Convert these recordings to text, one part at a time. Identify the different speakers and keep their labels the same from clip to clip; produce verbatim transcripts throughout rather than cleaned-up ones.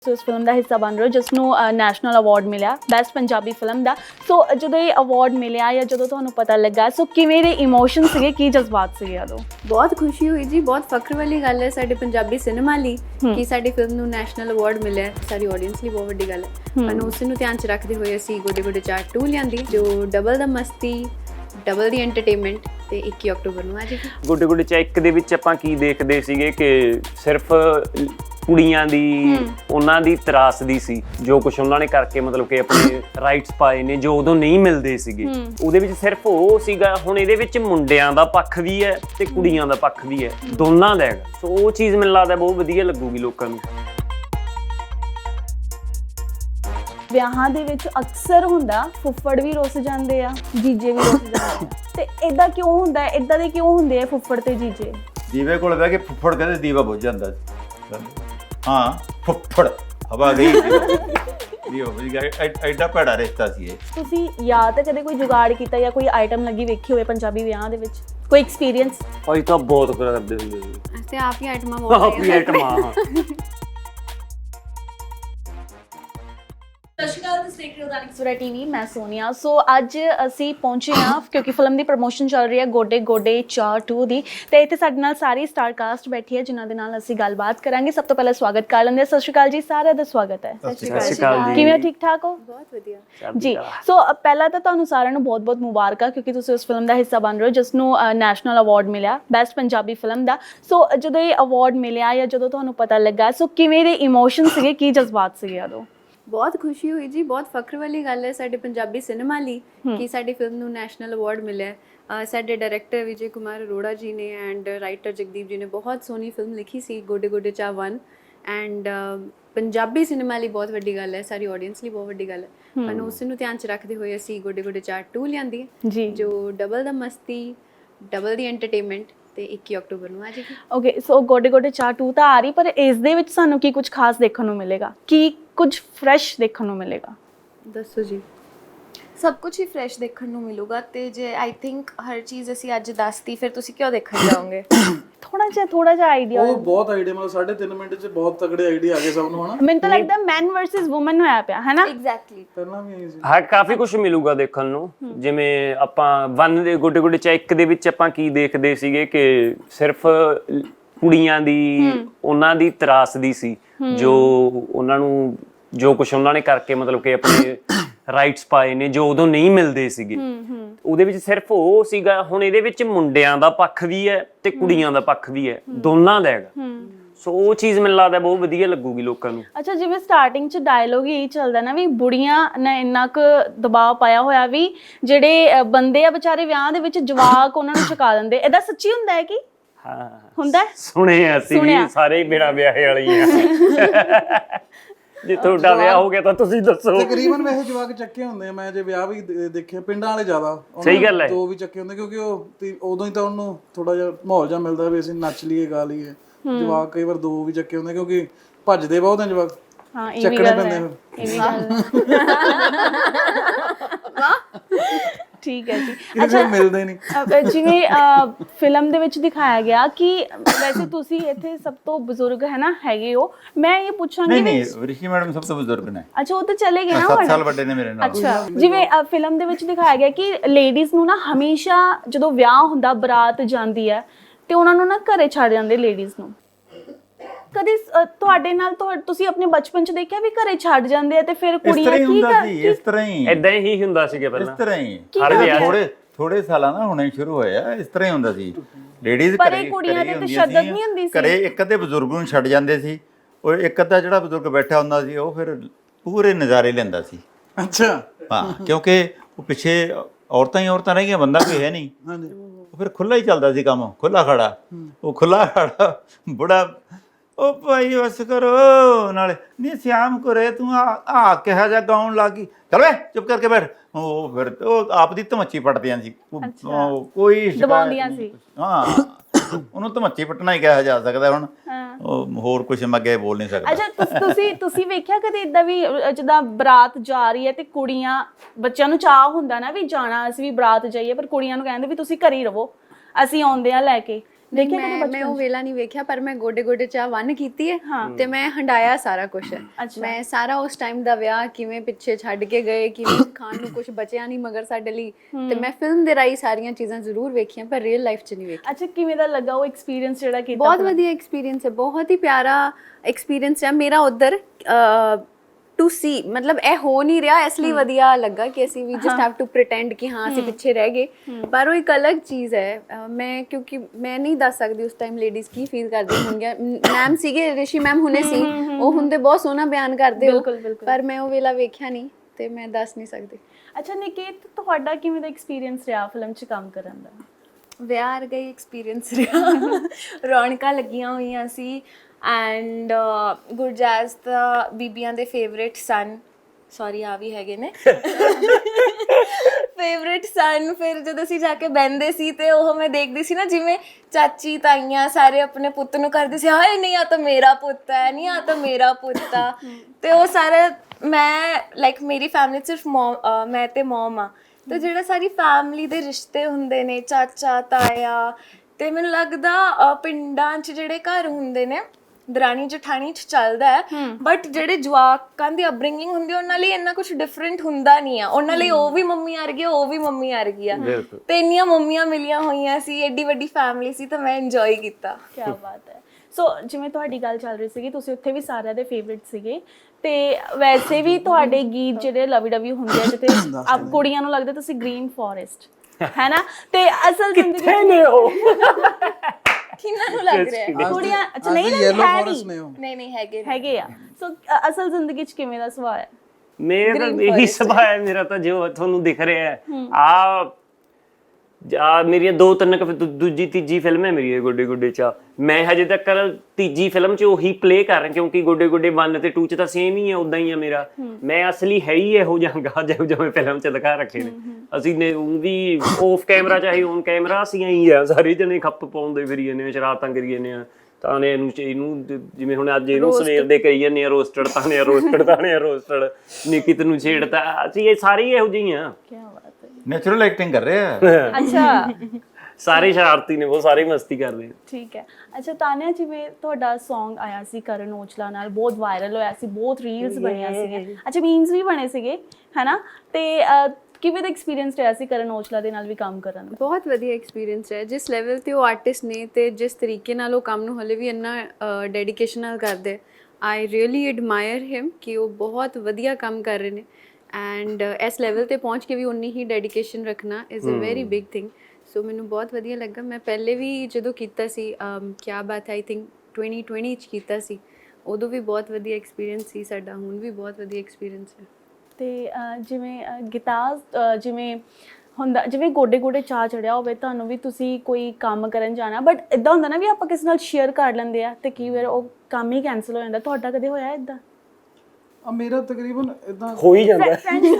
Speaker 1: ਇਸ ਫਿਲਮ ਦਾ ਹਿੱਸਾ ਬਣ ਰਹੇ ਹੋ ਜਿਸ ਨੂੰ ਨੈਸ਼ਨਲ ਅਵਾਰਡ ਮਿਲਿਆ ਬੈਸਟ ਪੰਜਾਬੀ ਫਿਲਮ ਦਾ। ਸੋ ਜਦੋਂ ਇਹ ਅਵਾਰਡ ਮਿਲਿਆ ਜਾਂ ਜਦੋਂ ਤੁਹਾਨੂੰ ਪਤਾ ਲੱਗਾ ਸੋ ਕਿਵੇਂ ਦੇ ਇਮੋਸ਼ਨ ਸੀਗੇ, ਕੀ ਜਜ਼ਬਾਤ ਸੀਗੇ ਉਦੋਂ?
Speaker 2: ਬਹੁਤ ਖੁਸ਼ੀ ਹੋਈ ਜੀ, ਬਹੁਤ ਫਖਰ ਵਾਲੀ ਗੱਲ ਹੈ ਸਾਡੇ ਪੰਜਾਬੀ ਸਿਨੇਮਾ ਲਈ ਕਿ ਸਾਡੀ ਫਿਲਮ ਨੂੰ ਨੈਸ਼ਨਲ ਅਵਾਰਡ ਮਿਲਿਆ। ਸਾਰੀ ਆਡੀਅנס ਲਈ ਬਹੁਤ ਵੱਡੀ ਗੱਲ ਹੈ। ਪਰ ਉਸ ਨੂੰ ਧਿਆਨ 'ਚ ਰੱਖਦੇ ਹੋਏ ਅਸੀਂ ਗੋਡੇ ਗੋਡੇ ਚਾਰ ਟੂ ਲਿਆਂਦੀ ਜੋ ਡਬਲ ਦਾ ਮਸਤੀ ਡਬਲ ਦੀ ਐਂਟਰਟੇਨਮੈਂਟ ਤੇ ਇੱਕੀ ਅਕਤੂਬਰ ਨੂੰ ਆ ਜਾਏਗੀ।
Speaker 3: ਗੋਡੇ ਗੋਡੇ ਚਾ ਇੱਕ ਦੇ ਵਿੱਚ ਆਪਾਂ ਕੀ ਦੇਖਦੇ ਸੀਗੇ ਕਿ ਸਿਰਫ ਕੁੜੀਆਂ ਦੀ ਉਹਨਾਂ ਦੀ ਤਰਾਸਦੀ ਸੀ ਜੋ ਕੁਝ ਉਹਨਾਂ ਨੇ ਕਰਕੇ ਮਤਲਬ ਕਿ ਆਪਣੇ ਰਾਈਟਸ ਪਾਏ ਨੇ ਜੋ ਉਦੋਂ ਨਹੀਂ ਮਿਲਦੇ ਸੀਗੇ। ਉਹਦੇ ਵਿੱਚ ਸਿਰਫ ਉਹ ਸੀਗਾ। ਹੁਣ ਇਹਦੇ ਵਿੱਚ ਮੁੰਡਿਆਂ ਦਾ ਪੱਖ ਵੀ ਹੈ ਤੇ ਕੁੜੀਆਂ ਦਾ ਪੱਖ ਵੀ ਹੈ, ਦੋਨਾਂ ਦਾ ਹੈਗਾ। ਸੋ ਉਹ ਚੀਜ਼ ਮੈਨੂੰ ਲੱਗਦਾ ਬਹੁਤ ਵਧੀਆ ਲੱਗੂਗੀ ਲੋਕਾਂ ਨੂੰ।
Speaker 1: ਵਿਆਹਾਂ ਦੇ ਵਿੱਚ ਅਕਸਰ ਹੁੰਦਾ ਫੁੱਫੜ ਵੀ ਰੁੱਸ ਜਾਂਦੇ ਆ, ਜੀਜੇ ਵੀ ਰੁੱਸ ਜਾਂਦੇ ਆ, ਤੇ ਇਦਾਂ ਕਿਉਂ ਹੁੰਦਾ? ਇਦਾਂ ਦੇ ਕਿਉਂ ਹੁੰਦੇ ਆ ਫੁੱਫੜ ਤੇ ਜੀਜੇ?
Speaker 4: ਦੀਵੇ ਕੋਲ ਬਹਿ ਕੇ ਫੁੱਫੜ ਕਹਿੰਦੇ ਦੀਵਾ ਬੁੱਝ ਜਾਂਦਾ ਸੀ। ਹਾਂ ਫੁੱਫੜ ਹਵਾ ਗਈ ਦੀਵਾ ਬੁੱਝ ਗਿਆ। ਐਡਾ ਭੈੜਾ ਰਿਸ਼ਤਾ ਸੀ ਇਹ।
Speaker 1: ਤੁਸੀਂ ਯਾਦ ਹੈ ਕਦੇ ਕੋਈ ਜੁਗਾੜ ਕੀਤਾ ਜਾਂ ਕੋਈ ਆਈਟਮ ਲੱਗੀ ਵੇਖੀ ਹੋਵੇ ਪੰਜਾਬੀ ਵਿਆਹਾਂ ਦੇ ਵਿੱਚ? ਕੋਈ ਐਕਸਪੀਰੀਅੰਸ?
Speaker 3: ਅਸੀਂ ਤਾਂ ਬਹੁਤ ਕਰਦੇ ਹੁੰਦੇ ਸੀ।
Speaker 2: ਅਸੀਂ ਆਪ ਹੀ ਆਈਟਮਾਂ ਬਹੁਤ
Speaker 3: ਆਪ ਹੀ ਆਈਟਮਾਂ।
Speaker 1: ਸਤਿ ਸ਼੍ਰੀ ਅਕਾਲ, ਤੁਸੀਂ ਦੇਖ ਰਹੇ ਹੋ ਦੈਨਿਕ ਸਵੇਰਾ ਟੀਵੀ। ਮੈਂ ਸੋਨੀਆ। ਸੋ ਅੱਜ ਅਸੀਂ ਪਹੁੰਚੇ ਹਾਂ ਕਿਉਂਕਿ ਫਿਲਮ ਦੀ ਪ੍ਰਮੋਸ਼ਨ ਚੱਲ ਰਹੀ ਹੈ ਗੋਡੇ ਗੋਡੇ ਚਾਰ ਟੂ ਦੀ, ਤੇ ਇੱਥੇ ਸਾਡੇ ਨਾਲ ਸਾਰੀ ਸਟਾਰ ਕਾਸਟ ਬੈਠੀ ਹੈ ਜਿਨ੍ਹਾਂ ਦੇ ਨਾਲ ਅਸੀਂ ਗੱਲਬਾਤ ਕਰਾਂਗੇ। ਸਭ ਤੋਂ ਪਹਿਲਾਂ ਸਵਾਗਤ ਕਰ ਲੈਂਦੇ ਹਾਂ। ਸਤਿ ਸ਼੍ਰੀ ਅਕਾਲ ਜੀ, ਸਾਰਿਆਂ ਦਾ ਸਵਾਗਤ ਹੈ।
Speaker 3: ਸਤਿ ਸ਼੍ਰੀ ਅਕਾਲ ਜੀ,
Speaker 1: ਕਿਵੇਂ ਹੋ? ਠੀਕ ਠਾਕ ਹੋ?
Speaker 2: ਬਹੁਤ ਵਧੀਆ
Speaker 1: ਜੀ। ਸੋ ਪਹਿਲਾਂ ਤਾਂ ਤੁਹਾਨੂੰ ਸਾਰਿਆਂ ਨੂੰ ਬਹੁਤ ਬਹੁਤ ਮੁਬਾਰਕਾਂ ਕਿਉਂਕਿ ਤੁਸੀਂ ਉਸ ਫਿਲਮ ਦਾ ਹਿੱਸਾ ਬਣ ਰਹੇ ਹੋ ਜਿਸ ਨੂੰ ਨੈਸ਼ਨਲ ਅਵਾਰਡ ਮਿਲਿਆ ਬੈਸਟ ਪੰਜਾਬੀ ਫਿਲਮ ਦਾ। ਸੋ ਜਦੋਂ ਇਹ ਅਵਾਰਡ ਮਿਲਿਆ ਜਾਂ ਜਦੋਂ ਤੁਹਾਨੂੰ ਪਤਾ ਲੱਗਾ ਸੋ ਕਿਵੇਂ ਦੇ ਇਮੋਸ਼ਨ ਸੀਗੇ, ਕੀ ਜਜ਼ਬਾਤ ਸੀਗੇ ਉਦੋਂ?
Speaker 2: ਬਹੁਤ ਖੁਸ਼ੀ ਹੋਈ ਜੀ, ਬਹੁਤ ਫਖਰ ਵਾਲੀ ਗੱਲ ਹੈ ਸਾਡੇ ਪੰਜਾਬੀ ਸਿਨੇਮਾ ਲਈ ਕਿ ਸਾਡੀ ਫਿਲਮ ਨੂੰ ਨੈਸ਼ਨਲ ਅਵਾਰਡ ਮਿਲਿਆ। ਸਾਡੇ ਡਾਇਰੈਕਟਰ ਵਿਜੇ ਕੁਮਾਰ ਅਰੋੜਾ ਜੀ ਨੇ ਐਂਡ ਰਾਈਟਰ ਜਗਦੀਪ ਜੀ ਨੇ ਬਹੁਤ ਸੋਹਣੀ ਫਿਲਮ ਲਿਖੀ ਸੀ ਗੋਡੇ ਗੋਡੇ ਚਾ ਵਨ। ਐਂਡ ਪੰਜਾਬੀ ਸਿਨੇਮਾ ਲਈ ਬਹੁਤ ਵੱਡੀ ਗੱਲ ਹੈ, ਸਾਰੀ ਆਡੀਅנס ਲਈ ਬਹੁਤ ਵੱਡੀ ਗੱਲ ਹੈ। ਪਰ ਉਸ ਨੂੰ ਧਿਆਨ 'ਚ ਰੱਖਦੇ ਹੋਏ ਅਸੀਂ ਗੋਡੇ ਗੋਡੇ ਚਾਰ ਟੂ ਲਿਆਂਦੀ ਜੋ ਡਬਲ ਦਾ ਮਸਤੀ ਡਬਲ ਦੀ ਐਂਟਰਟੇਨਮੈਂਟ ਤੇ ਇੱਕੀ ਅਕਤੂਬਰ ਨੂੰ ਆ ਜਾਏਗੀ।
Speaker 1: ਓਕੇ, ਸੋ ਗੋਡੇ ਗੋਡੇ ਚਾਰ ਟੂ ਤਾਂ ਆ ਰਹੀ, ਪਰ ਇਸ ਦੇ ਵਿੱਚ ਸਾਨੂੰ ਕੀ ਕੁਝ ਖਾਸ ਦੇਖਣ ਨੂੰ ਮਿਲੇਗਾ? ਕੀ ਕੁਝ ਫਰੈਸ਼ ਦੇਖਣ ਨੂੰ ਮਿਲੇਗਾ?
Speaker 2: ਦੱਸੋ ਜੀ।
Speaker 5: ਸਭ ਕੁਝ ਹੀ ਫਰੈਸ਼ ਦੇਖਣ ਨੂੰ ਮਿਲੂਗਾ ਤੇ ਜੇ ਆਈ ਥਿੰਕ ਹਰ ਚੀਜ਼ ਅਸੀਂ ਅੱਜ ਦੱਸਤੀ ਫਿਰ ਤੁਸੀਂ ਕਿਉਂ ਦੇਖਣ ਜਾਓਗੇ?
Speaker 1: ਥੋੜਾ ਜਿਹਾ ਥੋੜਾ ਜਿਹਾ ਆਈਡੀਆ।
Speaker 6: ਉਹ ਬਹੁਤ ਆਈਡੀਆ, ਮਤਲਬ ਸਾਢੇ ਤਿੰਨ ਮਿੰਟ 'ਚ ਬਹੁਤ ਤਗੜੇ ਆਈਡੀਆ ਆ ਗਏ ਸਭ ਨੂੰ, ਹਨਾ?
Speaker 1: ਮੈਨੂੰ ਤਾਂ ਲੱਗਦਾ ਮੈਨ ਵਰਸਸ ਵੂਮਨ ਨੂੰ ਆਇਆ ਪਿਆ ਹੈ ਨਾ?
Speaker 5: ਐਗਜ਼ੈਕਟਲੀ।
Speaker 6: ਪਹਿਲਾਂ ਵੀ ਆਈ ਸੀ।
Speaker 3: ਹਾਂ, ਕਾਫੀ ਕੁਝ ਮਿਲੂਗਾ ਦੇਖਣ ਨੂੰ। ਜਿਵੇਂ ਆਪਾਂ ਵਨ ਦੇ ਗੋਡੇ ਗੋਡੇ ਚਾ ਇੱਕ ਦੇ ਵਿੱਚ ਆਪਾਂ ਕੀ ਦੇਖਦੇ ਸੀਗੇ ਕਿ ਸਿਰਫ ਕੁੜੀਆਂ ਦੀ ਉਹਨਾਂ ਦੀ ਤਰਾਸਦੀ ਸੀ ਜੋ ਉਹਨਾਂ ਨੂੰ ਜੋ ਕੁਝ ਉਹਨਾਂ ਨੇ ਕਰਕੇ ਮਤਲਬ ਕਿ ਆਪਣੇ ਰਾਈਟਸ ਪਾਏ ਨੇ ਜੋ ਉਦੋਂ ਨਹੀਂ ਮਿਲਦੇ ਸੀਗੇ। ਉਹਦੇ ਵਿੱਚ ਸਿਰਫ ਉਹ ਸੀਗਾ। ਹੁਣ ਇਹਦੇ ਵਿੱਚ ਮੁੰਡਿਆਂ ਦਾ ਪੱਖ ਵੀ ਹੈ ਤੇ ਕੁੜੀਆਂ ਦਾ ਪੱਖ ਵੀ ਹੈ, ਦੋਨਾਂ ਦਾ ਹੈਗਾ। ਸੋ ਉਹ ਚੀਜ਼ ਮੈਨੂੰ ਲੱਗਦਾ ਬਹੁਤ ਵਧੀਆ ਲੱਗੂਗੀ ਲੋਕਾਂ ਨੂੰ।
Speaker 1: ਅੱਛਾ, ਜਿਵੇਂ ਸਟਾਰਟਿੰਗ 'ਚ ਡਾਇਲੋਗ ਹੀ ਚੱਲਦਾ ਨਾ ਵੀ ਬੁੜੀਆਂ ਨੇ ਇੰਨਾ ਕੁ ਦਬਾਅ ਪਾਇਆ ਹੋਇਆ ਵੀ ਜਿਹੜੇ ਬੰਦੇ ਆ ਵਿਚਾਰੇ ਵਿਆਹ ਦੇ ਵਿੱਚ ਜਵਾਕ ਉਹਨਾਂ ਨੂੰ ਚੁਕਾ ਦਿੰਦੇ। ਇਹਦਾ ਸੱਚੀ ਹੁੰਦਾ ਹੈ ਕਿ?
Speaker 3: ਹਾਂ
Speaker 1: ਹੁੰਦਾ
Speaker 3: ਸੁਣੇ ਅਸੀਂ ਵੀ ਸਾਰੇ ਬਿਨਾਂ ਵਿਆਹੇ ਵਾਲੀ ਆ। ਜੇ ਤੁਹਾਡਾ ਵਿਆਹ ਹੋ ਗਿਆ ਤਾਂ ਤੁਸੀਂ ਦੱਸੋ।
Speaker 6: ਤਕਰੀਬਨ ਵੈਸੇ ਜਵਾਕ ਚੱਕੇ ਹੁੰਦੇ ਆ, ਮੈਂ ਜੇ ਵਿਆਹ ਵੀ ਦੇਖੇ ਪਿੰਡਾਂ ਵਾਲੇ ਜ਼ਿਆਦਾ।
Speaker 3: ਸਹੀ ਗੱਲ ਹੈ।
Speaker 6: ਦੋ ਵੀ ਚੱਕੇ ਹੁੰਦੇ ਕਿਉਂਕਿ ਉਹ ਉਦੋਂ ਹੀ ਤਾਂ ਉਹਨੂੰ ਥੋੜਾ ਜਿਹਾ ਮਾਹੌਲ ਜਿਹਾ ਮਿਲਦਾ ਵੀ ਅਸੀਂ ਨੱਚ ਲਈਏ ਗਾ ਲਈਏ। ਜਵਾਕ ਕਈ ਵਾਰ ਦੋ ਵੀ ਚੱਕੇ ਹੁੰਦੇ ਕਿਉਂਕਿ ਭੱਜਦੇ ਬਹੁਤ ਆ ਜਵਾਕ।
Speaker 1: ਹਾਂ, ਇਹ
Speaker 6: ਚੱਕਣੇ ਪੈਂਦੇ ਆ।
Speaker 1: ਇਹ ਵੀ ਗੱਲ ਠੀਕ ਹੈ ਜੀ।
Speaker 6: ਅੱਛਾ, ਮਿਲਦੇ ਨਹੀਂ।
Speaker 1: ਜਿਵੇਂ ਫਿਲਮ ਦੇ ਵਿੱਚ ਦਿਖਾਇਆ ਗਿਆ ਕਿ ਵੈਸੇ ਤੁਸੀਂ ਇੱਥੇ ਸਭ ਤੋਂ ਬਜ਼ੁਰਗ ਹੈ ਨਾ ਹੈਗੇ ਹੋ, ਮੈਂ ਇਹ ਪੁੱਛਾਂਗੀ।
Speaker 4: ਨਹੀਂ ਨਹੀਂ, ਰਿਸ਼ੀ ਮੈਡਮ ਸਭ ਤੋਂ ਬਜ਼ੁਰਗ ਨੇ।
Speaker 1: ਅੱਛਾ, ਉਹ ਤਾਂ ਚਲੇ ਗਏ ਨਾ,
Speaker 4: ਸੱਤ ਸਾਲ ਵੱਡੇ ਨੇ ਮੇਰੇ ਨਾਲ।
Speaker 1: ਅੱਛਾ, ਜਿਵੇਂ ਫਿਲਮ ਦੇ ਵਿੱਚ ਦਿਖਾਇਆ ਗਿਆ ਕਿ ਲੇਡੀਜ਼ ਨੂੰ ਨਾ ਹਮੇਸ਼ਾ ਜਦੋਂ ਵਿਆਹ ਹੁੰਦਾ ਬਰਾਤ ਜਾਂਦੀ ਹੈ ਤੇ ਉਹਨਾਂ ਨੂੰ ਨਾ ਘਰੇ ਛੱਡ ਜਾਂਦੇ ਲੇਡੀਜ਼ ਨੂੰ। ਕਦੇ ਤੁਹਾਡੇ ਨਾਲ ਤੁਸੀਂ ਆਪਣੇ ਬਚਪਨ 'ਚ ਦੇਖਿਆ ਵੀ ਘਰੇ ਛੱਡ ਜਾਂਦੇ ਆ ਤੇ ਫਿਰ ਕੁੜੀਆਂ ਕੀ ਕਰਦੀ?
Speaker 4: ਇਸ ਤਰ੍ਹਾਂ ਹੀ
Speaker 3: ਇਦਾਂ ਹੀ ਹੁੰਦਾ ਸੀਗਾ ਪਹਿਲਾਂ।
Speaker 4: ਇਸ ਤਰ੍ਹਾਂ ਹੀ
Speaker 3: ਹਰ ਵਿਆਹ
Speaker 4: ਥੋੜੇ ਥੋੜੇ ਸਾਲਾਂ ਨਾਲ ਹੁਣੇ ਸ਼ੁਰੂ ਹੋਇਆ। ਇਸ ਤਰ੍ਹਾਂ ਹੀ ਹੁੰਦਾ ਸੀ। ਲੇਡੀਜ਼
Speaker 1: ਘਰੇ ਕੁੜੀਆਂ ਦੇ ਤਸ਼ੱਦਦ ਨਹੀਂ ਹੁੰਦੀ ਸੀ।
Speaker 4: ਘਰੇ ਇੱਕ ਅੱਧੇ ਬਜ਼ੁਰਗ ਨੂੰ ਛੱਡ ਜਾਂਦੇ ਸੀ। ਉਹ ਇੱਕ ਅੱਧਾ ਜਿਹੜਾ ਬਜ਼ੁਰਗ ਬੈਠਾ ਹੁੰਦਾ ਸੀ ਉਹ ਫਿਰ ਪੂਰੇ ਨਜ਼ਾਰੇ ਲੈਂਦਾ ਸੀ।
Speaker 6: ਅੱਛਾ।
Speaker 4: ਹਾਂ, ਕਿਉਂਕਿ ਉਹ ਪਿੱਛੇ ਔਰਤਾਂ ਹੀ ਔਰਤਾਂ ਰਹਿ ਗਈਆਂ, ਬੰਦਾ ਕੋਈ ਹੈ ਨਹੀਂ।
Speaker 6: ਹਾਂਜੀ।
Speaker 4: ਉਹ ਫਿਰ ਖੁੱਲਾ ਹੀ ਚੱਲਦਾ ਸੀ ਕੰਮ, ਖੁੱਲਾ ਖੜਾ। ਉਹ ਖੁੱਲਾ ਖੜਾ ਬੁੜਾ, ਉਹ ਭਾਈ ਬਸ ਕਰੋ ਨਾਲੇ ਨਹੀਂ ਸਿਆਮ ਕਰੇ ਤੂੰ ਆ ਆ ਕਿਹਾ ਜਾ ਗਾਉਣ ਲੱਗੀ, ਚਲ ਵੇ ਚੁੱਪ ਕਰਕੇ ਬੈਠ। ਉਹ ਫਿਰ ਉਹ ਆਪ ਦੀ ਧਮੱਚੀ ਪੱਟਦੀਆਂ ਸੀ, ਕੋਈ
Speaker 1: ਦਬਾਉਂਦੀਆਂ ਸੀ।
Speaker 4: ਹਾਂ, ਉਹਨੂੰ ਧਮੱਚੀ ਪੱਟਣਾ ਹੀ ਕਿਹਾ ਜਾ ਸਕਦਾ ਹੁਣ। ਉਹ ਹੋਰ ਕੁਝ ਮੈਂ ਅੱਗੇ ਬੋਲ ਨਹੀਂ ਸਕਦਾ।
Speaker 1: ਅੱਛਾ, ਤੁਸੀਂ ਤੁਸੀਂ ਵੇਖਿਆ ਕਦੇ ਇਦਾਂ ਵੀ ਜਿੱਦਾਂ ਬਰਾਤ ਜਾ ਰਹੀ ਹੈ ਤੇ ਕੁੜੀਆਂ ਬੱਚਿਆਂ ਨੂੰ ਚਾਹ ਹੁੰਦਾ ਨਾ ਵੀ ਜਾਣਾ ਅਸੀਂ ਵੀ ਬਰਾਤ ਜਾਈਏ, ਪਰ ਕੁੜੀਆਂ ਨੂੰ ਕਹਿੰਦੇ ਵੀ ਤੁਸੀਂ ਘਰੇ ਹੀ ਰਹੋ, ਅਸੀਂ ਆਉਂਦੇ ਆ ਲੈ ਕੇ।
Speaker 2: ਨਹੀਂ ਮੈਂ ਮੈਂ ਉਹ ਵੇਲਾ ਨਹੀਂ ਵੇਖਿਆ, ਪਰ ਮੈਂ ਗੋਡੇ ਗੋਡੇ ਚਾਹ ਵਨ ਕੀਤੀ ਹੈ ਤੇ ਮੈਂ ਹੰਡਾਇਆ ਸਾਰਾ ਕੁਝ। ਮੈਂ ਸਾਰਾ ਉਸ ਟਾਈਮ ਦਾ ਵਿਆਹ ਕਿਵੇਂ ਪਿੱਛੇ ਛੱਡ ਕੇ ਗਏ, ਕਿਵੇਂ ਖਾਣ ਨੂੰ ਕੁਝ ਬਚਿਆ ਨਹੀਂ ਮਗਰ ਸਾਡੇ ਲਈ, ਤੇ ਮੈਂ ਫਿਲਮ ਦੇ ਰਾਹੀਂ ਸਾਰੀਆਂ ਚੀਜ਼ਾਂ ਜ਼ਰੂਰ ਵੇਖੀਆਂ ਪਰ ਰੀਅਲ ਲਾਈਫ 'ਚ ਨਹੀਂ ਵੇਖੀਆਂ।
Speaker 1: ਅੱਛਾ, ਕਿਵੇਂ ਦਾ ਲੱਗਾ ਉਹ ਐਕਸਪੀਰੀਅੰਸ ਜਿਹੜਾ ਕੀਤਾ?
Speaker 2: ਬਹੁਤ ਵਧੀਆ ਐਕਸਪੀਰੀਅੰਸ ਹੈ, ਬਹੁਤ ਹੀ ਪਿਆਰਾ ਐਕਸਪੀਰੀਅੰਸ ਹੈ ਮੇਰਾ ਉਧਰ ਟੂ ਸੀ। ਮਤਲਬ ਇਹ ਹੋ ਨਹੀਂ ਰਿਹਾ, ਇਸ ਲਈ ਵਧੀਆ ਲੱਗਾ ਕਿ ਅਸੀਂ ਵੀ ਜਸਟ ਹੈਵ ਟੂ ਪ੍ਰੀਟੈਂਡ ਕਿ ਹਾਂ ਅਸੀਂ ਪਿੱਛੇ ਰਹਿ ਗਏ, ਪਰ ਉਹ ਇੱਕ ਅਲੱਗ ਚੀਜ਼ ਹੈ। ਮੈਂ ਕਿਉਂਕਿ ਮੈਂ ਨਹੀਂ ਦੱਸ ਸਕਦੀ ਉਸ ਟਾਈਮ ਲੇਡੀਜ਼ ਕੀ ਫੀਲ ਕਰਦੀ ਹੋਣਗੀਆਂ। ਮੈਮ ਸੀਗੇ, ਰਿਸ਼ੀ ਮੈਮ ਹੁਣੇ ਸੀ, ਉਹ ਹੁੰਦੇ ਬਹੁਤ ਸੋਹਣਾ ਬਿਆਨ ਕਰਦੇ ਹੋ, ਪਰ ਮੈਂ ਉਹ ਵੇਲਾ ਵੇਖਿਆ ਨਹੀਂ ਤੇ ਮੈਂ ਦੱਸ ਨਹੀਂ ਸਕਦੀ।
Speaker 1: ਅੱਛਾ ਨਿਕੇਤ, ਤੁਹਾਡਾ ਕਿਵੇਂ ਦਾ ਐਕਸਪੀਰੀਅੰਸ ਰਿਹਾ ਫਿਲਮ 'ਚ ਕੰਮ ਕਰਨ ਦਾ?
Speaker 5: ਵਿਆਹ ਵਰਗਾ ਹੀ ਐਕਸਪੀਰੀਅੰਸ ਰਿਹਾ, ਰੌਣਕਾਂ ਲੱਗੀਆਂ ਹੋਈਆਂ ਸੀ ਐਂਡ ਗੁਰਜੈਸ ਦਾ ਬੀਬੀਆਂ ਦੇ ਫੇਵਰੇਟ ਸਨ, ਸੌਰੀ ਆ ਵੀ ਹੈਗੇ ਨੇ ਫੇਵਰੇਟ ਸਨ। ਫਿਰ ਜਦੋਂ ਅਸੀਂ ਜਾ ਕੇ ਬਹਿੰਦੇ ਸੀ ਤੇ ਉਹ ਮੈਂ ਦੇਖਦੀ ਸੀ ਨਾ, ਜਿਵੇਂ ਚਾਚੀ ਤਾਈਆਂ ਸਾਰੇ ਆਪਣੇ ਪੁੱਤ ਨੂੰ ਕਰਦੇ ਸੀ, ਹਾਏ ਨਹੀਂ ਆ ਤਾਂ ਮੇਰਾ ਪੁੱਤ ਹੈ, ਨਹੀਂ ਆ ਤਾਂ ਮੇਰਾ ਪੁੱਤ ਆ, ਤੇ ਉਹ ਸਾਰਾ ਮੈਂ ਲਾਈਕ ਮੇਰੀ ਫੈਮਿਲੀ ਸਿਰਫ ਮੌਮ ਮੈਂ ਤੇ ਮੌਮ ਆ, ਤੇ ਜਿਹੜਾ ਸਾਰੀ ਫੈਮਿਲੀ ਦੇ ਰਿਸ਼ਤੇ ਹੁੰਦੇ ਨੇ, ਚਾਚਾ ਤਾਇਆ, ਤੇ ਮੈਨੂੰ ਲੱਗਦਾ ਪਿੰਡਾਂ 'ਚ ਜਿਹੜੇ ਘਰ ਹੁੰਦੇ ਨੇ ਦਰਾਣੀ ਜਠਾਣੀ 'ਚ ਚੱਲਦਾ ਹੈ, ਬਟ ਜਿਹੜੇ ਜਵਾਕਾਂ ਦੀ ਅਪਬ੍ਰਿੰਗਿੰਗ ਹੁੰਦੀ ਉਹਨਾਂ ਲਈ ਇੰਨਾ ਕੁਝ ਡਿਫਰੈਂਟ ਹੁੰਦਾ ਨਹੀਂ ਆ। ਉਹਨਾਂ ਲਈ ਉਹ ਵੀ ਮੰਮੀ ਆ ਰਹੀ, ਉਹ ਵੀ ਮੰਮੀ ਆ ਰਹੀ ਆ, ਤੇ ਇੰਨੀਆਂ ਮੰਮੀਆਂ ਮਿਲੀਆਂ ਹੋਈਆਂ ਸੀ, ਐਡੀ ਵੱਡੀ ਫੈਮਿਲੀ ਸੀ, ਤਾਂ ਮੈਂ ਇੰਜੋਏ ਕੀਤਾ।
Speaker 1: ਕੀ ਬਾਤ ਹੈ। ਸੋ ਜਿਵੇਂ ਤੁਹਾਡੀ ਗੱਲ ਚੱਲ ਰਹੀ ਸੀਗੀ, ਤੁਸੀਂ ਉੱਥੇ ਵੀ ਸਾਰਿਆਂ ਦੇ ਫੇਵਰਿਟ ਸੀਗੇ, ਤੇ ਵੈਸੇ ਵੀ ਤੁਹਾਡੇ ਗੀਤ ਜਿਹੜੇ ਲਵੀ ਡਵੀ ਹੁੰਦੇ ਆ, ਜਿੱਥੇ ਆਪ ਕੁੜੀਆਂ ਨੂੰ ਲੱਗਦਾ ਤੁਸੀਂ ਗ੍ਰੀਨ ਫੋਰੈਸਟ ਹੈ ਨਾ, ਤੇ ਅਸਲ ਜ਼ਿੰਦਗੀ
Speaker 3: ਨੇ ਉਹ
Speaker 1: ਕਿੰਨਾ ਨੂੰ ਲੱਗ ਰਿਹਾ ਹੈ ਕੁੜੀਆਂ? ਅੱਛਾ ਨਹੀਂ
Speaker 6: ਯੈਲੋ
Speaker 1: ਹੈ
Speaker 6: ਫੋਰੈਸਟ ਨੇ ਉਹ।
Speaker 5: ਨਹੀਂ ਨਹੀਂ ਹੈਗੇ
Speaker 1: ਹੈਗੇ ਆ। ਸੋ ਅਸਲ ਜ਼ਿੰਦਗੀ 'ਚ ਕਿਵੇਂ ਦਾ ਸੁਭਾਅ ਹੈ?
Speaker 3: ਮੇਰਾ ਤਾਂ ਇਹੀ ਸੁਭਾਅ ਹੈ, ਮੇਰਾ ਤਾਂ ਜੋ ਤੁਹਾਨੂੰ ਦਿਖ ਰਿਹਾ ਹੈ। ਆ ਆ ਮੇਰੀਆਂ ਦੋ ਤਿੰਨ ਦੂਜੀ ਤੀਜੀ ਫਿਲਮ ਹੈ ਮੇਰੀ ਗੋਡੇ ਗੋਡੇ ਚਾ। ਮੈਂ ਹਜੇ ਤੱਕ ਤੀਜੀ ਫਿਲਮ 'ਚ ਉਹੀ ਪਲੇ ਕਰ ਰਿਹਾ, ਕਿਉਂਕਿ ਗੋਡੇ ਗੋਡੇ ਵਨ ਤੇ ਟੂ 'ਚ ਤਾਂ ਸੇਮ ਹੀ ਹੈ, ਉਦਾਂ ਹੀ ਆ ਮੇਰਾ। ਮੈਂ ਅਸਲੀ ਹੈ ਹੀ ਇਹੋ ਜਿਹਾ ਜਿਹੋ ਜਿਵੇਂ ਫਿਲਮ 'ਚ ਦਿਖਾ ਰੱਖੇ ਨੇ। ਅਸੀਂ ਨੇ ਉਹ ਵੀ ਆਫ ਕੈਮਰਾ ਚਾਹੇ ਔਨ ਕੈਮਰਾ ਅਸੀਂ ਹੀ ਆ, ਸਾਰੇ ਜਣੇ ਖੱਪ ਪਾਉਂਦੇ ਫਿਰੀ ਜਾਂਦੇ ਆ, ਸ਼ਰਾਰਤਾਂ ਕਰੀ ਜਾਂਦੇ ਆ, ਤਾਂ ਨੇ ਇਹਨੂੰ ਇਹਨੂੰ ਜਿਵੇਂ ਹੁਣ ਅੱਜ ਇਹਨੂੰ ਸਵੇਰ ਦੇ ਕਰੀ ਜਾਂਦੇ ਆ ਰੋਸਟਡ, ਤਾਂ ਨੇ ਰੋਸਟਡ, ਤਾਂ ਨੇ ਰੋਸਟਡ, ਨਿਕਿਤ ਨੂੰ ਛੇੜਤਾ। ਅਸੀਂ ਇਹ ਸਾਰੇ ਇਹੋ ਜਿਹੇ ਆ।
Speaker 1: ਕੀ ਬਾਤ ਹੈ।
Speaker 4: ਨੈਚੁਰਲ ਐਕਟਿੰਗ ਕਰ ਰਹੇ ਆ।
Speaker 1: ਅੱਛਾ,
Speaker 3: ਸਾਰੇ ਸ਼ਰਾਰਤੀ ਨੇ, ਉਹ ਸਾਰੇ ਮਸਤੀ ਕਰਦੇ ਨੇ।
Speaker 1: ਠੀਕ ਹੈ। ਅੱਛਾ ਤਾਨਿਆ, ਜਿਵੇਂ ਤੁਹਾਡਾ Song ਆਇਆ ਸੀ ਕਰਨ ਔਜਲਾ ਨਾਲ, ਬਹੁਤ ਵਾਇਰਲ ਹੋਇਆ ਸੀ, ਬਹੁਤ ਰੀਲਸ ਬਣੀਆਂ ਸੀਗੇ, ਅੱਛਾ ਮੀਮਸ ਵੀ ਬਣੇ ਸੀਗੇ ਹੈ ਨਾ, ਤੇ ਕਿਵੇਂ ਦਾ ਐਕਸਪੀਰੀਅੰਸ ਰਿਹਾ ਸੀ ਕਰਨ ਔਜਲਾ ਦੇ ਨਾਲ ਵੀ ਕੰਮ ਕਰਨ ਦਾ?
Speaker 2: ਬਹੁਤ ਵਧੀਆ ਐਕਸਪੀਰੀਅੰਸ ਹੈ। ਜਿਸ ਲੈਵਲ ਤੇ ਉਹ ਆਰਟਿਸਟ ਨੇ ਤੇ ਜਿਸ ਤਰੀਕੇ ਨਾਲ ਉਹ ਕੰਮ ਨੂੰ ਹਲੇ ਵੀ ਇੰਨਾ ਡੈਡੀਕੇਸ਼ਨ ਨਾਲ ਕਰਦੇ, ਆਈ ਰੀਅਲੀ ਐਡਮਾਇਰ ਹਿਮ ਕਿ ਉਹ ਬਹੁਤ ਵਧੀਆ ਕੰਮ ਕਰ ਰਹੇ ਨੇ, ਐਂਡ ਇਸ ਲੈਵਲ ਤੇ ਪਹੁੰਚ ਕੇ ਵੀ ਉਨੀ ਹੀ ਡੈਡੀਕੇਸ਼ਨ ਰੱਖਣਾ is a very big thing. So ਮੈਨੂੰ ਬਹੁਤ ਵਧੀਆ ਲੱਗਾ। ਮੈਂ ਪਹਿਲੇ ਵੀ ਜਦੋਂ ਕੀਤਾ ਸੀ ਕਿਆ ਬਾਤ ਹੈ, ਆਈ ਥਿੰਕ ਟਵੈਂਟੀ ਟਵੈਂਟੀ 'ਚ ਕੀਤਾ ਸੀ, ਉਦੋਂ ਵੀ ਬਹੁਤ ਵਧੀਆ ਐਕਸਪੀਰੀਅੰਸ ਸੀ ਸਾਡਾ, ਹੁਣ ਵੀ ਬਹੁਤ ਵਧੀਆ ਐਕਸਪੀਰੀਅੰਸ ਹੈ।
Speaker 1: ਤੇ ਜਿਵੇਂ ਗਿਤਾਰ ਜਿਵੇਂ ਹੁੰਦਾ, ਜਿਵੇਂ ਗੋਡੇ ਗੋਡੇ ਚਾਹ ਚੜਿਆ ਹੋਵੇ ਤੁਹਾਨੂੰ ਵੀ, ਤੁਸੀਂ ਕੋਈ ਕੰਮ ਕਰਨ ਜਾਣਾ, ਬਟ ਇਦਾਂ ਹੁੰਦਾ ਨਾ ਵੀ ਆਪਾਂ ਕਿਸੇ ਨਾਲ ਸ਼ੇਅਰ ਕਰ ਲੈਂਦੇ ਆ ਤੇ ਕਈ ਵਾਰ ਉਹ ਕੰਮ ਹੀ ਕੈਂਸਲ ਹੋ ਜਾਂਦਾ, ਤੁਹਾਡਾ ਕਦੇ ਹੋਇਆ ਇਦਾਂ?
Speaker 6: ਆ ਮੇਰਾ ਤਕਰੀਬਨ ਇਦਾਂ
Speaker 3: ਹੋ ਹੀ ਜਾਂਦਾ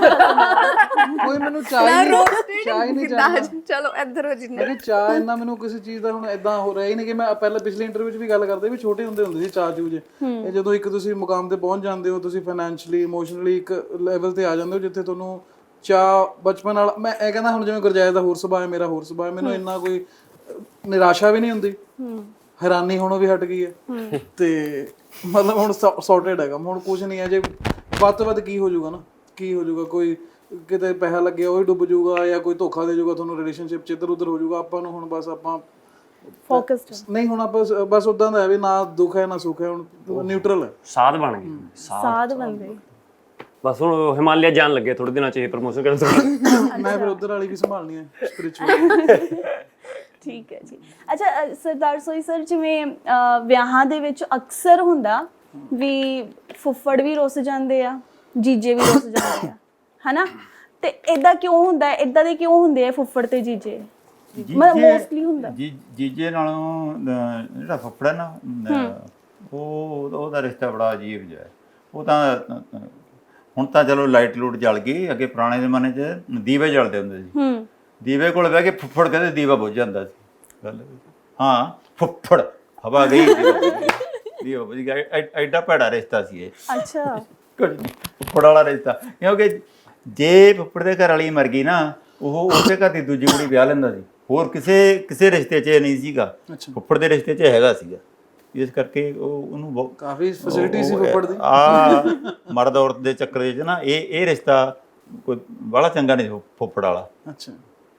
Speaker 6: ਕੋਈ ਮੈਨੂੰ ਚਾਹ ਹੀ ਨਹੀਂ ਚਾਹ ਹੀ ਨਹੀਂ ਚਾਹੀਦਾ।
Speaker 2: ਚਲੋ ਇੱਧਰ ਹੋ ਜਿੰਨੇ
Speaker 6: ਮੈਂ ਚਾਹ ਇੰਨਾ ਮੈਨੂੰ ਕਿਸੇ ਚੀਜ਼ ਦਾ ਹੁਣ ਇਦਾਂ ਹੋ ਰਿਹਾ ਹੀ ਨਹੀਂ ਕਿ ਮੈਂ ਪਹਿਲਾਂ ਪਿਛਲੇ ਇੰਟਰਵਿਊ 'ਚ ਵੀ ਗੱਲ ਕਰਦੇ ਵੀ ਛੋਟੇ ਹੁੰਦੇ ਹੁੰਦੇ ਸੀ ਚਾਹ ਚੂਹ ਜੇ, ਇਹ ਜਦੋਂ ਇੱਕ ਤੁਸੀਂ ਮੁਕਾਮ ਤੇ ਪਹੁੰਚ ਜਾਂਦੇ ਹੋ, ਤੁਸੀਂ ਫਾਈਨੈਂਸ਼ਲੀ ਇਮੋਸ਼ਨਲੀ ਇੱਕ ਲੈਵਲ ਤੇ ਆ ਜਾਂਦੇ ਹੋ ਜਿੱਥੇ ਤੁਹਾਨੂੰ ਚਾਹ ਬਚਪਨ ਨਾਲ, ਮੈਂ ਇਹ ਕਹਿੰਦਾ ਹੁਣ ਜਿਵੇਂ ਗੁਰਜੈਸ ਦਾ ਹੋਰ ਸੁਭਾਅ ਹੈ, ਮੇਰਾ ਹੋਰ ਸੁਭਾਅ ਹੈ, ਮੈਨੂੰ ਇੰਨਾ ਕੋਈ ਨਿਰਾਸ਼ਾ ਵੀ ਨਹੀਂ ਹੁੰਦੀ, ਹੈਰਾਨੀ ਹੋਣੋਂ ਵੀ ਹਟ ਗਈ ਹੈ, ਤੇ ਮਤਲਬ ਹੁਣ ਸੌਰਟਡ ਹੈਗਾ ਹੁਣ ਕੁਝ ਨਹੀਂ ਹੈ। ਜੇ ਵੱਧ ਤੋਂ ਵੱਧ ਕੀ ਹੋ ਜਾਊਗਾ ਨਾ, ਕੀ ਹੋ ਜਾਊਗਾ, ਕੋਈ ਕਿਤੇ ਪੈਸਾ ਲੱਗਿਆ ਉਹ ਹੀ ਡੁੱਬ ਜਾਊਗਾ, ਜਾਂ ਕੋਈ ਧੋਖਾ ਦੇ ਜਾਊਗਾ ਤੁਹਾਨੂੰ ਰਿਲੇਸ਼ਨਸ਼ਿਪ 'ਚ, ਇੱਧਰ ਉੱਧਰ ਹੋ ਜਾਊਗਾ। ਆਪਾਂ ਨੂੰ ਹੁਣ ਬਸ ਆਪਾਂ
Speaker 1: ਫੋਕਸਡ
Speaker 6: ਨਹੀਂ, ਹੁਣ ਆਪਾਂ ਬਸ ਉਦਾਂ ਦਾ ਹੈ ਵੀ ਨਾ ਦੁੱਖ ਹੈ ਨਾ ਸੁੱਖ ਹੈ, ਹੁਣ ਨਿਊਟਰਲ ਹੈ,
Speaker 3: ਸਾਧ ਬਣ ਗਏ,
Speaker 1: ਸਾਧ ਬੰਦੇ।
Speaker 3: ਬਸ ਹੁਣ ਹਿਮਾਲਿਆ ਜਾਣ ਲੱਗੇ ਥੋੜੇ ਦਿਨਾਂ 'ਚ ਇਹ ਪ੍ਰਮੋਸ਼ਨ ਕਰਨ ਤੋਂ।
Speaker 6: ਮੈਂ ਫਿਰ ਉਧਰ ਵਾਲੀ ਵੀ ਸੰਭਾਲਣੀ ਹੈ ਸਪਿਰਿਚੁਅਲ।
Speaker 1: ਠੀਕ ਹੈ ਜੀ। ਅੱਛਾ ਸਰਦਾਰ ਸੋਈ ਸਰ, ਜਿਵੇਂ ਵਿਆਹਾਂ ਦੇ ਵਿੱਚ ਅਕਸਰ ਹੁੰਦਾ ਵੀ ਫੁੱਫੜ ਵੀ ਰੁੱਸ ਜਾਂਦੇ ਆ, ਜੀਜੇ ਵੀ ਰੁੱਸ ਜਾਂਦੇ ਆ, ਹਨਾ, ਤੇ ਇਦਾਂ ਕਿਉਂ ਹੁੰਦਾ? ਇਦਾਂ ਦੇ ਕਿਉਂ ਹੁੰਦੇ ਆ ਫੁੱਫੜ ਤੇ ਜੀਜੇ? ਮੋਸਟਲੀ ਹੁੰਦਾ
Speaker 4: ਜੀ ਜੀਜੇ ਨਾਲੋਂ ਜਿਹੜਾ ਫੁੱਫੜ ਹੈ ਨਾ, ਉਹ ਉਹਦਾ ਰਿਸ਼ਤਾ ਬੜਾ ਅਜੀਬ ਜਿਹਾ। ਉਹ ਤਾਂ ਹੁਣ ਤਾਂ ਚਲੋ ਲਾਈਟ ਲੂਟ ਜਲ ਗਈ, ਅੱਗੇ ਪੁਰਾਣੇ ਜ਼ਮਾਨੇ 'ਚ ਦੀਵੇ ਜਲਦੇ ਹੁੰਦੇ ਸੀ, ਦੀਵੇ ਕੋਲ ਬਹਿ ਕੇ ਫੁੱਫੜ ਕਹਿੰਦੇ ਦੀਵਾ ਬੁੱਝ ਜਾਂਦਾ ਸੀ। ਗੱਲ ਹਾਂ, ਫੁੱਫੜ ਹਵਾ ਗਈ, ਦੀਵਾ ਬੁੱਝ ਗਿਆ। ਐਡਾ ਭੈੜਾ ਰਿਸ਼ਤਾ ਸੀ ਇਹ।
Speaker 1: ਅੱਛਾ,
Speaker 4: ਫੁੱਫੜ ਵਾਲਾ ਰਿਸ਼ਤਾ, ਕਿਉਂਕਿ ਜੇ ਫੁੱਫੜ ਦੇ ਘਰ ਵਾਲੀ ਮਰ ਗਈ ਨਾ, ਉਹ ਉਸੇ ਘਰ ਦੀ ਦੂਜੀ ਕੁੜੀ ਵਿਆਹ ਲੈਂਦਾ ਸੀ, ਹੋਰ ਕਿਸੇ ਕਿਸੇ ਰਿਸ਼ਤੇ 'ਚ ਇਹ ਨਹੀਂ ਸੀਗਾ,
Speaker 6: ਅੱਛਾ।
Speaker 4: ਫੁੱਫੜ ਦੇ ਰਿਸ਼ਤੇ 'ਚ ਹੈਗਾ ਸੀਗਾ, ਇਸ ਕਰਕੇ ਉਹ ਉਹਨੂੰ ਬਹੁਤ
Speaker 6: ਕਾਫੀ ਫੈਸਿਲਿਟੀ ਸੀ ਫੁੱਫੜ ਦੀ।
Speaker 4: ਆ ਮਰਦ ਔਰਤ ਦੇ ਚੱਕਰ 'ਚ ਨਾ ਇਹ ਇਹ ਰਿਸ਼ਤਾ ਕੋਈ ਬੜਾ ਚੰਗਾ ਨਹੀਂ ਫੁੱਫੜ ਵਾਲਾ।
Speaker 6: ਅੱਛਾ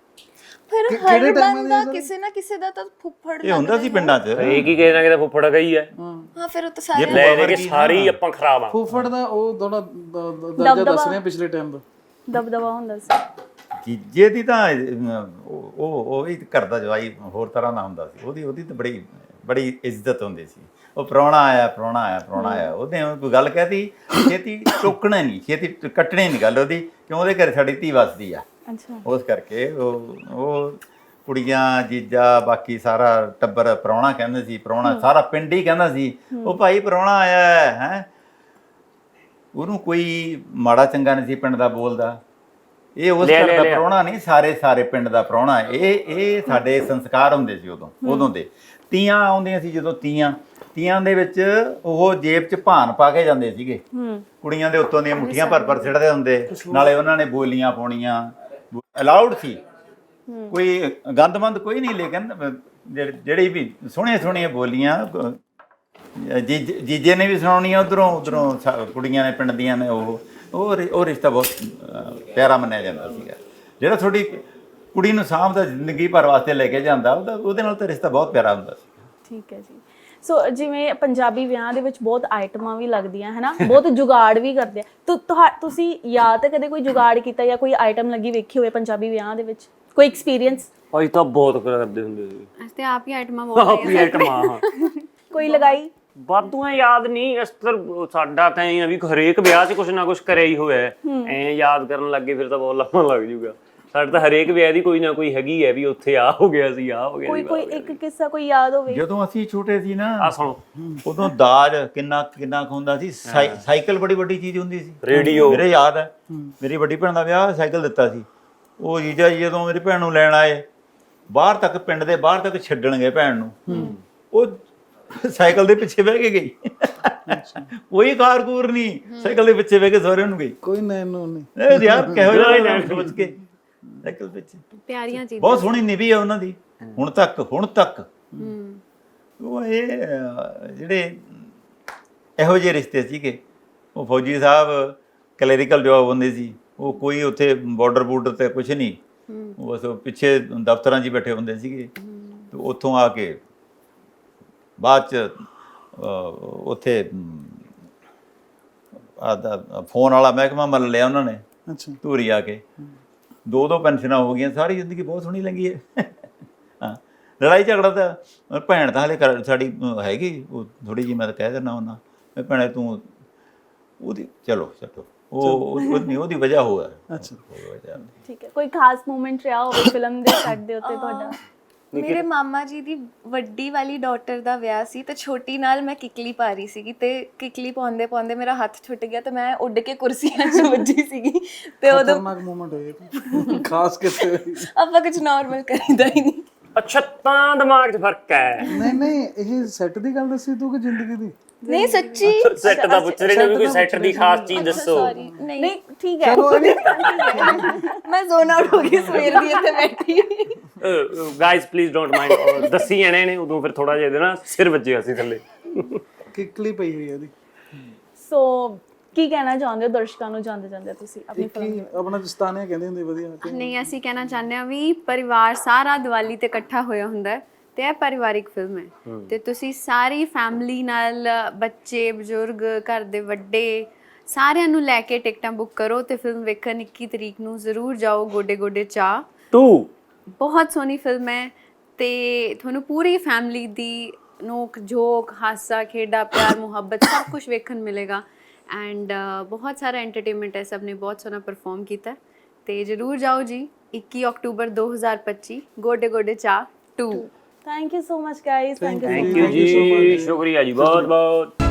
Speaker 5: ਫਿਰ
Speaker 6: ਕਿ-
Speaker 5: ਹਰ
Speaker 6: ਕਿਹੜੇ time
Speaker 5: ਬੰਦਾ
Speaker 6: ਦੇ
Speaker 5: ਕਿਸੇ ਨਾ ਕਿਸੇ ਦਾ ਤਾਂ ਫੁੱਫੜ
Speaker 4: ਇਹ ਹੁੰਦਾ ਸੀ ਪਿੰਡਾਂ 'ਚ।
Speaker 3: ਇਹ ਕੀ ਕਹਿਣਾ ਕਿ ਫੁੱਫੜ ਗਈ ਹੈ,
Speaker 5: ਹਾਂ ਫਿਰ ਉਹ ਤਾਂ ਸਾਰੇ
Speaker 3: ਲੈ ਲੈ ਕੇ ਸਾਰੇ ਹੀ ਆਪਾਂ ਖਰਾਬ ਆ।
Speaker 6: ਫੁੱਫੜ ਦਾ ਉਹ ਥੋੜਾ ਦਰਜਾ ਦੱਸ ਰਹੇ ਆ ਪਿਛਲੇ ਟਾਈਮ ਦਾ।
Speaker 1: ਦਬਦਬਾ ਹੁੰਦਾ ਸੀ।
Speaker 4: ਜੀਜੇ ਦੀ ਤਾਂ ਅਹ, ਉਹ ਉਹ ਉਹ ਵੀ ਕਰਦਾ ਜਵਾਈ ਹੋਰ ਤਰ੍ਹਾਂ ਦਾ ਹੁੰਦਾ ਸੀ, ਉਹਦੀ ਉਹਦੀ ਤਾਂ ਬੜੀ ਬੜੀ ਇੱਜ਼ਤ ਹੁੰਦੀ ਸੀ। ਉਹ ਪ੍ਰਾਹੁਣਾ ਆਇਆ ਪ੍ਰਾਹੁਣਾ ਆਇਆ ਪ੍ਰਾਹੁਣਾ ਆਇਆ, ਉਹਦੇ ਕੋਈ ਗੱਲ ਕਹਿਤੀ ਛੇਤੀ ਟੋਕਣਾ ਨਹੀਂ, ਛੇਤੀ ਕੱਟਣੀ ਨਹੀਂ ਗੱਲ ਉਹਦੀ, ਕਿਉਂ ਉਹਦੇ ਘਰ ਸਾਡੀ ਧੀ ਵਸਦੀ ਆ।
Speaker 1: ਅੱਛਾ।
Speaker 4: ਉਸ ਕਰਕੇ ਉਹ ਉਹ ਕੁੜੀਆਂ ਜੀਜਾ ਬਾਕੀ ਸਾਰਾ ਟੱਬਰ ਪ੍ਰਾਹੁਣਾ ਕਹਿੰਦੇ ਸੀ, ਪ੍ਰਾਹੁਣਾ ਸਾਰਾ ਪਿੰਡ ਹੀ ਕਹਿੰਦਾ ਸੀ ਉਹ ਭਾਈ ਪ੍ਰਾਹੁਣਾ ਆਇਆ ਹੈ ਹੈਂ। ਉਹਨੂੰ ਕੋਈ ਮਾੜਾ ਚੰਗਾ ਨਹੀਂ ਸੀ ਪਿੰਡ ਦਾ ਬੋਲਦਾ। ਇਹ ਉਸ
Speaker 3: ਲਿਆ,
Speaker 4: ਘਰ
Speaker 3: ਲਿਆ,
Speaker 4: ਦਾ
Speaker 3: ਲਿਆ।
Speaker 4: ਪ੍ਰਾਹੁਣਾ ਨਹੀਂ, ਸਾਰੇ ਸਾਰੇ ਪਿੰਡ ਦਾ ਪ੍ਰਾਹੁਣਾ। ਇਹ ਇਹ ਸਾਡੇ ਸੰਸਕਾਰ ਹੁੰਦੇ ਸੀ ਉਦੋਂ ਉਦੋਂ ਦੇ। ਤੀਆਂ ਆਉਂਦੀਆਂ ਸੀ ਜਦੋਂ, ਤੀਆਂ ਤੀਆਂ ਦੇ ਵਿੱਚ ਉਹ ਜੇਬ 'ਚ ਭਾਨ ਪਾ ਕੇ ਜਾਂਦੇ ਸੀਗੇ, ਕੁੜੀਆਂ ਦੇ ਉੱਤੋਂ ਦੀਆਂ ਮੁੱਠੀਆਂ ਭਰ ਭਰ ਸਿੱਟਦੇ ਹੁੰਦੇ, ਨਾਲੇ ਉਹਨਾਂ ਨੇ ਬੋਲੀਆਂ ਪਾਉਣੀਆਂ, ਅਲਾਉਡ ਸੀ, ਕੋਈ ਗੰਦਮੰਦ ਕੋਈ ਨਹੀਂ। ਲੇਕਿਨ ਜਿਹੜੇ- ਜਿਹੜੀ ਵੀ ਸੋਹਣੀਆਂ ਸੋਹਣੀਆਂ ਬੋਲੀਆਂ ਅਹ, ਜੀਜ- ਜੀਜੇ ਨੇ ਵੀ ਸੁਣਾਉਣੀਆਂ, ਉਧਰੋਂ ਉਧਰੋਂ ਕੁੜੀਆਂ ਨੇ ਪਿੰਡ ਦੀਆਂ ਨੇ। ਉਹ ਉਹ ਰਿ- ਉਹ ਰਿਸ਼ਤਾ ਬਹੁਤ ਅਹ, ਪਿਆਰਾ ਮੰਨਿਆ ਜਾਂਦਾ ਸੀਗਾ। ਜਿਹੜਾ ਤੁਹਾਡੀ ਕੁੜੀ ਨੂੰ ਸਾਂਭਦਾ ਜ਼ਿੰਦਗੀ ਭਰ ਵਾਸਤੇ ਲੈ ਕੇ ਜਾਂਦਾ, ਉਹਦਾ ਉਹਦੇ ਨਾਲ ਤਾਂ ਰਿਸ਼ਤਾ ਬਹੁਤ ਪਿਆਰਾ ਹੁੰਦਾ ਸੀ।
Speaker 1: ਠੀਕ ਹੈ ਜੀ। ਸੋ ਜਿਵੇਂ ਪੰਜਾਬੀ ਵਿਆਹ ਦੇ ਵਿੱਚ ਬਹੁਤ ਆਈਟਮਾਂ ਵੀ ਲੱਗਦੀਆਂ ਹੈ ਨਾ, ਬਹੁਤ ਜੁਗਾੜ ਵੀ ਕਰਦੇ ਆ। ਤੁ- ਤੁਹਾ- ਤੁਸੀਂ ਜਾਂ ਤਾਂ ਕਦੇ ਕੋਈ ਜੁਗਾੜ ਕੀਤਾ ਜਾਂ ਕੋਈ ਆਈਟਮ ਲੱਗੀ ਵੇਖੀ ਹੋਵੇ ਪੰਜਾਬੀ ਵਿਆਹ ਦੇ ਵਿੱਚ, ਕੋਈ ਐਕਸਪੀਰੀਅੰਸ?
Speaker 3: ਅਸੀਂ ਤਾਂ ਬਹੁਤ ਕਰਦੇ ਹੁੰਦੇ ਸੀ,
Speaker 2: ਅਸੀਂ ਤੇ ਆਪ ਹੀ ਆਈਟਮਾਂ
Speaker 3: ਆਪ
Speaker 2: ਬਹੁਤ
Speaker 3: ਹੀ ਆਈਟਮਾਂ। ਹਾਂ
Speaker 1: ਕੋਈ ਲਗਾਈ?
Speaker 3: ਵਾਧੂਆਂ ਯਾਦ ਨਹੀਂ, ਇਸ ਤਰ੍ਹਾਂ ਸਾਡਾ ਤਾਂ ਇਹ ਆ ਵੀ ਹਰੇਕ ਵਿਆਹ 'ਚ ਕੁਛ ਨਾ ਕੁਛ ਕਰਿਆ ਹੀ ਹੋਇਆ। ਐ ਯਾਦ ਕਰਨ ਲੱਗੇ ਫਿਰ ਤਾਂ ਬਹੁਤ ਲੰਮਾ ਲੱਗ ਜੂਗਾ। ਸਾਡੇ ਤਾਂ ਹਰੇਕ ਵਿਆਹ ਦੀ ਕੋਈ ਨਾ ਕੋਈ ਹੈਗੀ ਹੈ ਵੀ ਉੱਥੇ ਆ ਹੋ ਗਿਆ ਸੀ, ਆ ਹੋ ਗਿਆ
Speaker 1: ਕੋਈ
Speaker 3: ਸੀ।
Speaker 1: ਕੋਈ ਇੱਕ ਕਿੱਸਾ ਕੋਈ ਯਾਦ ਹੋਵੇ?
Speaker 4: ਜਦੋਂ ਅਸੀਂ ਛੋਟੇ ਸੀ ਨਾ,
Speaker 3: ਆ ਸੁਣੋ,
Speaker 4: ਉਦੋਂ ਦਾਜ ਕਿੰਨਾ ਕਿੰਨਾ ਕੁ ਹੁੰਦਾ ਸੀ। ਸਾਈ- ਸਾਈਕਲ ਬੜੀ ਵੱਡੀ ਚੀਜ਼ ਹੁੰਦੀ ਸੀ।
Speaker 3: ਰੇਡੀਓ।
Speaker 4: ਮੇਰੇ ਯਾਦ ਹੈ, ਮੇਰੀ ਵੱਡੀ ਭੈਣ ਦਾ ਵਿਆਹ ਸਾਈਕਲ ਦਿੱਤਾ ਸੀ। ਉਹ ਜੀਜਾ ਜੀ ਜਦੋਂ ਮੇਰੀ ਭੈਣ ਨੂੰ ਲੈਣ ਆਏ, ਬਾਹਰ ਤੱਕ ਪਿੰਡ ਦੇ ਬਾਹਰ ਤੱਕ ਛੱਡਣ ਗਏ ਭੈਣ ਨੂੰ, ਉਹ ਸਾਈਕਲ ਦੇ ਪਿੱਛੇ ਬਹਿ ਕੇ ਗਈ। ਕੋਈ ਕਾਰਕੂਰ ਨਹੀਂ, ਸਾਈਕਲ ਦੇ ਪਿੱਛੇ ਬਹਿ ਕੇ ਸਹੁਰੇ ਨੂੰ ਗਈ।
Speaker 6: ਕੋਈ ਨੈਨ ਨੂੰ ਨਹੀਂ।
Speaker 4: ਇਹ ਯਾਰ ਕਿਹੋ ਜਿਹਾ ਸੋਚ ਕੇ ਸਾਈਕਲ ਪਿੱਛੇ।
Speaker 2: ਪਿਆਰੀਆਂ ਚੀਜ਼ਾਂ।
Speaker 4: ਬਹੁਤ ਸੋਹਣੀ ਨਿਭੀ ਆ ਉਹਨਾਂ ਦੀ ਹੁਣ ਤੱਕ ਹੁਣ ਤੱਕ।
Speaker 2: ਹੂੰ
Speaker 4: ਉਹ ਇਹ ਅਹ, ਜਿਹੜੇ ਇਹੋ ਜਿਹੇ ਰਿਸ਼ਤੇ ਸੀਗੇ। ਉਹ ਫੌਜੀ ਸਾਹਿਬ ਕਲੈਰੀਕਲ ਜੌਬ ਹੁੰਦੇ ਸੀ, ਉਹ ਕੋਈ ਉੱਥੇ ਬਾਰਡਰ ਬੂਰਡਰ ਤੇ ਕੁਝ ਨਹੀਂ, ਉਹ ਬਸ ਉਹ ਪਿੱਛੇ ਦਫ਼ਤਰਾਂ 'ਚ ਹੀ ਬੈਠੇ ਹੁੰਦੇ ਸੀਗੇ। ਤੇ ਉੱਥੋਂ ਆ ਕੇ ਬਾਅਦ 'ਚ ਅਹ, ਉੱਥੇ ਆ ਫੋਨ ਵਾਲਾ ਮਹਿਕਮਾ ਮੱਲ ਲਿਆ ਉਹਨਾਂ ਨੇ,
Speaker 6: ਅੱਛਾ
Speaker 4: ਧੂਰੀ ਆ ਕੇ। ਦੋ ਦੋ ਪੈਨਸ਼ਨਾਂ ਹੋ ਗਈਆਂ, ਸਾਰੀ ਜ਼ਿੰਦਗੀ ਬਹੁਤ ਸੋਹਣੀ ਲੰਘੀ ਹੈ। ਹਾਂ, ਲੜਾਈ ਝਗੜਾ ਤਾਂ ਭੈਣ ਤਾਂ ਹਾਲੇ ਕਰ ਸਾਡੀ ਹੈਗੀ, ਉਹ ਥੋੜੀ ਜਿਹੀ ਮੈਂ ਤਾਂ ਕਹਿ ਦਿੰਦਾ ਹੁੰਦਾ ਮੈਂ ਭੈਣੇ ਤੂੰ ਉਹਦੀ ਚਲੋ ਛੱਡੋ, ਉਹ ਉਹਦੀ ਉਹਦੀ ਵਜ੍ਹਾ ਹੋਇਆ।
Speaker 6: ਅੱਛਾ
Speaker 4: ਵਜ੍ਹਾ
Speaker 1: ਠੀਕ ਹੈ। ਕੋਈ ਖਾਸ ਮੂਮੈਂਟ ਰਿਹਾ ਹੋਵੇ ਫਿਲਮ ਦੇ ਸੈੱਟ ਦੇ ਉੱਤੇ ਤੁਹਾਡਾ?
Speaker 5: ਮੇਰੇ ਮਾਮਾ ਜੀ ਦੀ ਵੱਡੀ ਵਾਲੀ ਡਾਟਰ ਦਾ ਵਿਆਹ ਸੀ ਤੇ ਛੋਟੀ ਨਾਲ ਮੈਂ ਕਿਕਲੀ ਪਾ ਰਹੀ ਸੀਗੀ ਤੇ ਕਿਕਲੀ ਪਾਉਂਦੇ ਪਾਉਂਦੇ ਮੇਰਾ ਹੱਥ ਛੁੱਟ ਗਿਆ ਤੇ ਮੈਂ ਉੱਡ ਕੇ ਕੁਰਸੀਆਂ 'ਚ ਵੱਜੀ ਸੀਗੀ ਤੇ ਉਦੋਂ
Speaker 6: ਖਤਰਨਾਕ ਮੂਮੈਂਟ ਹੋਇਆ ਖਾਸ ਕਿਤੇ।
Speaker 5: ਆਪਾਂ ਕੁਝ ਨਾਰਮਲ ਕਰੀਦਾ ਹੀ ਨਹੀਂ।
Speaker 3: ਅੱਛਾ ਤਾਂ ਦਿਮਾਗ 'ਚ ਫਰਕ ਹੈ।
Speaker 6: ਨਹੀਂ ਨਹੀਂ ਇਹ ਸੈੱਟ ਦੀ ਗੱਲ ਦੱਸੀ ਤੂੰ ਕਿ ਜ਼ਿੰਦਗੀ ਦੀ?
Speaker 5: ਨਹੀਂ ਸੱਚੀ
Speaker 3: ਸੈੱਟ ਦਾ ਪੁੱਛ ਰਹੇ ਨੇ ਵੀ ਕੋਈ ਸੈੱਟ ਦੀ ਖਾਸ ਚੀਜ਼ ਦੱਸੋ।
Speaker 5: ਸੌਰੀ ਨਹੀਂ
Speaker 1: ਨਹੀਂ ਠੀਕ ਹੈ।
Speaker 5: ਮੈਂ ਜ਼ੋਨ ਆਊਟ ਹੋ ਗਈ ਸਵੇਰ ਦੀ ਇੱਥੇ ਬੈਠੀ।
Speaker 3: Guys please don't mind. ਦੱਸੀ ਜਾਣੇ ਨੇ ਉਦੋਂ ਫਿਰ ਥੋੜਾ ਜਿਹਾ ਇਹਦੇ ਨਾ ਸਿਰ ਵੱਜਿਆ ਸੀ ਥੱਲੇ।
Speaker 6: ਕਿਕਲੀ ਪਈ ਹੋਈ ਹੈ ਇਹਦੀ।
Speaker 1: ਸੋ ਕੀ ਕਹਿਣਾ ਚਾਹੁੰਦੇ ਹੋ ਦਰਸ਼ਕਾਂ ਨੂੰ ਜਾਂਦੇ ਜਾਂਦੇ ਤੁਸੀਂ ਆਪਣੀ ਫਿਲਮ?
Speaker 6: ਕੀ ਆਪਣਾ ਦਸਤਾਨੇ ਕਹਿੰਦੇ ਹੁੰਦੇ ਵਧੀਆ।
Speaker 2: ਨਹੀਂ, ਅਸੀਂ ਕਹਿਣਾ ਚਾਹੁੰਦੇ ਹਾਂ ਵੀ ਪਰਿਵਾਰ ਸਾਰਾ ਦੀਵਾਲੀ ਤੇ ਇਕੱਠਾ ਹੋਇਆ ਹੁੰਦਾ ਹੈ ਤੇ ਇਹ ਪਰਿਵਾਰਿਕ ਫਿਲਮ ਹੈ ਤੇ ਤੁਸੀਂ ਸਾਰੀ ਫੈਮਿਲੀ ਨਾਲ, ਬੱਚੇ ਬਜ਼ੁਰਗ, ਘਰ ਦੇ ਵੱਡੇ ਸਾਰਿਆਂ ਨੂੰ ਲੈ ਕੇ ਟਿਕਟਾਂ ਬੁੱਕ ਕਰੋ ਤੇ ਫਿਲਮ ਵੇਖਣ ਇੱਕੀ ਤਰੀਕ ਨੂੰ ਜ਼ਰੂਰ ਜਾਓ। ਗੋਡੇ ਗੋਡੇ ਚਾਹ
Speaker 3: ਟੂ
Speaker 2: ਬਹੁਤ ਸੋਹਣੀ ਫਿਲਮ ਹੈ ਤੇ ਤੁਹਾਨੂੰ ਪੂਰੀ ਫੈਮਿਲੀ ਦੀ ਨੋਕ ਝੋਕ, ਹਾਸਾ ਖੇਡਾ, ਪਿਆਰ ਮੁਹੱਬਤ ਸਭ ਕੁਝ ਵੇਖਣ ਮਿਲੇਗਾ ਐਂਡ ਬਹੁਤ ਸਾਰਾ ਐਂਟਰਟੇਨਮੈਂਟ ਹੈ। ਸਭ ਨੇ ਬਹੁਤ ਸੋਹਣਾ ਪਰਫਾਰਮ ਕੀਤਾ ਤੇ ਜ਼ਰੂਰ ਜਾਓ ਜੀ। ਇੱਕੀ ਅਕਤੂਬਰ ਦੋ ਹਜ਼ਾਰ ਪੱਚੀ ਗੋਡੇ ਗੋਡੇ ਚਾਹ ਟੂ।
Speaker 1: Thank you so much guys. Thank you
Speaker 3: thank you ਜੀ, ਸ਼ੁਕਰੀਆ ਜੀ ਬਹੁਤ ਬਹੁਤ।